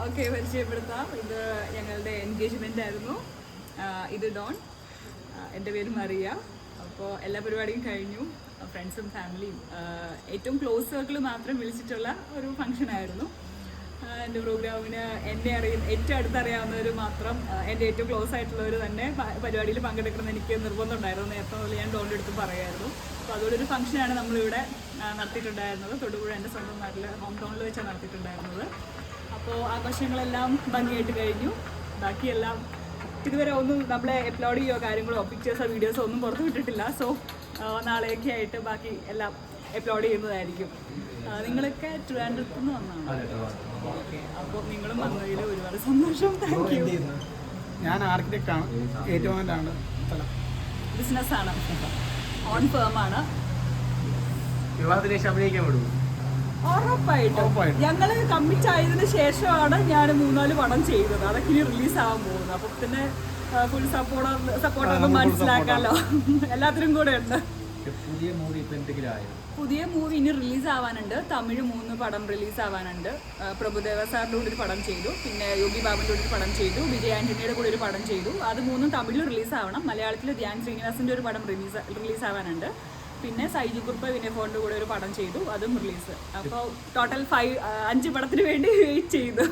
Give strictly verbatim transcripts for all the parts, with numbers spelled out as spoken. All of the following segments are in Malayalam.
ഓക്കെ, പരിചയപ്പെടുത്താം. ഇത് ഞങ്ങളുടെ എൻഗേജ്മെൻ്റ് ആയിരുന്നു. ഇത് ഡോൺ, എൻ്റെ പേര് മറിയ. അപ്പോൾ എല്ലാ പരിപാടിയും കഴിഞ്ഞു. ഫ്രണ്ട്സും ഫാമിലിയും ഏറ്റവും ക്ലോസ് സർക്കിൾ മാത്രം വിളിച്ചിട്ടുള്ള ഒരു ഫംഗ്ഷനായിരുന്നു. എൻ്റെ പ്രോഗ്രാമിന് എന്നെ അറിയുന്ന ഏറ്റവും അടുത്തറിയാവുന്നവർ മാത്രം, എൻ്റെ ഏറ്റവും ക്ലോസ് ആയിട്ടുള്ളവർ തന്നെ പരിപാടിയിൽ പങ്കെടുക്കണം എനിക്ക് നിർബന്ധം ഉണ്ടായിരുന്നു. നേരത്തെ മുതൽ ഞാൻ ഡോണിൻ്റെ അടുത്ത് പറയുമായിരുന്നു. അപ്പോൾ അതുകൊണ്ടൊരു ഫംഗ്ഷനാണ് നമ്മളിവിടെ നടത്തിയിട്ടുണ്ടായിരുന്നത്. തൊടുപുഴ എൻ്റെ സ്വന്തം നാട്ടിൽ ഹോം ടൗണിൽ വെച്ചാണ് നടത്തിയിട്ടുണ്ടായിരുന്നത്. അപ്പോൾ ആഘോഷങ്ങളെല്ലാം ഭംഗിയായിട്ട് കഴിഞ്ഞു. ബാക്കിയെല്ലാം ഇതുവരെ ഒന്നും നമ്മളെ അപ്ലോഡ് ചെയ്യുകയോ കാര്യങ്ങളോ പിക്ചേഴ്സോ വീഡിയോസോ ഒന്നും പുറത്തു വിട്ടിട്ടില്ല. സോ നാളെയൊക്കെ ആയിട്ട് ബാക്കി എല്ലാം അപ്ലോഡ് ചെയ്യുന്നതായിരിക്കും. നിങ്ങളൊക്കെ ട്രിവാൻഡ്രത്ത് നിന്ന് വന്നതാണ്. ഓക്കെ, അപ്പോൾ നിങ്ങളും വന്നതിൽ ഒരുപാട് സന്തോഷം. Thank you. ഞാൻ ആർക്കിടെക്റ്റാണ്. ഏറ്റവും ബിസിനസ്സാണ്, ഓൺ ഫേമാണ്. വിവാഹത്തിന് ശേഷം അഭിനയിക്കാൻ വിടും ഉറപ്പായിട്ടും. ഞങ്ങള് കമ്മിറ്റ് ആയതിനു ശേഷമാണ് ഞാൻ മൂന്നാല് പടം ചെയ്തത്. അതൊക്കെ ഇനി റിലീസ് ആവാൻ പോകുന്നത്. അപ്പൊ പിന്നെ ഫുൾ സപ്പോർട്ട് സപ്പോർട്ടൊക്കെ മനസ്സിലാക്കാമല്ലോ. എല്ലാത്തിനും കൂടെ ഉണ്ട്. പുതിയ മൂവി പുതിയ മൂവി ഇനി റിലീസ് ആവാനുണ്ട്. തമിഴ് മൂന്ന് പടം റിലീസ് ആവാനുണ്ട്. പ്രഭുദേവ സാറിൻ്റെ കൂടെ ഒരു പടം ചെയ്തു, പിന്നെ യോഗി ബാബുൻ്റെ കൂടെ ഒരു പടം ചെയ്തു, വിജയ് ആൻ്റണിയുടെ കൂടെ ഒരു പടം ചെയ്തു. അത് മൂന്നും തമിഴിൽ റിലീസ് ആവണം. മലയാളത്തിൽ ധ്യാൻ ശ്രീനിവാസിൻ്റെ ഒരു പടം റിലീസ് റിലീസ് ആവാനുണ്ട്. പിന്നെ സൈജി കുറുപ്പ് വിനയഫോണിൻ്റെ കൂടെ ഒരു പടം ചെയ്തു, അതും റിലീസ്. അപ്പോൾ ടോട്ടൽ ഫൈവ് അഞ്ച് പടത്തിന് വേണ്ടി വെയിറ്റ് ചെയ്തു.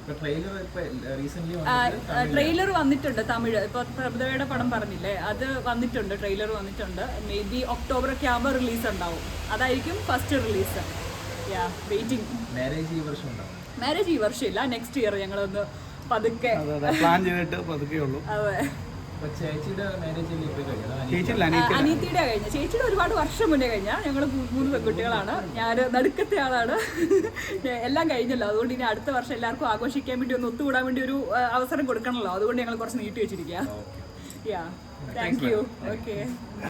ട്രെയിലർ വന്നിട്ടുണ്ട് തമിഴ്. ഇപ്പോൾ പ്രഭുദേവയുടെ പടം പറഞ്ഞില്ലേ, അത് വന്നിട്ടുണ്ട്. ട്രെയിലർ വന്നിട്ടുണ്ട്. മേ ബി ഒക്ടോബർ ഒക്കെ ആകുമ്പോൾ റിലീസ് ഉണ്ടാവും. അതായിരിക്കും first release. Yeah, waiting. Marriage ഈ വർഷമില്ല, നെക്സ്റ്റ് ഇയർ ഞങ്ങളൊന്ന് പതുക്കെ പ്ലാൻ ചെയ്തിട്ട് പതുക്കെ ഉള്ളൂ. അതെ. അനിയത്തിയുടെ കഴിഞ്ഞ ചേച്ചിയുടെ ഒരുപാട് വർഷം മുന്നേ കഴിഞ്ഞ. ഞങ്ങൾ മൂന്ന് പെൺകുട്ടികളാണ്. ഞാൻ നടുക്കത്തെ ആളാണ്. എല്ലാം കഴിഞ്ഞല്ലോ. അതുകൊണ്ട് ഇനി അടുത്ത വർഷം എല്ലാവർക്കും ആഘോഷിക്കാൻ വേണ്ടി ഒന്ന് ഒത്തുകൂടാൻ വേണ്ടി ഒരു അവസരം കൊടുക്കണമല്ലോ. അതുകൊണ്ട് ഞങ്ങൾ കുറച്ച് നീട്ടി വെച്ചിരിക്കുക. Yeah, thank you. ഓക്കെ.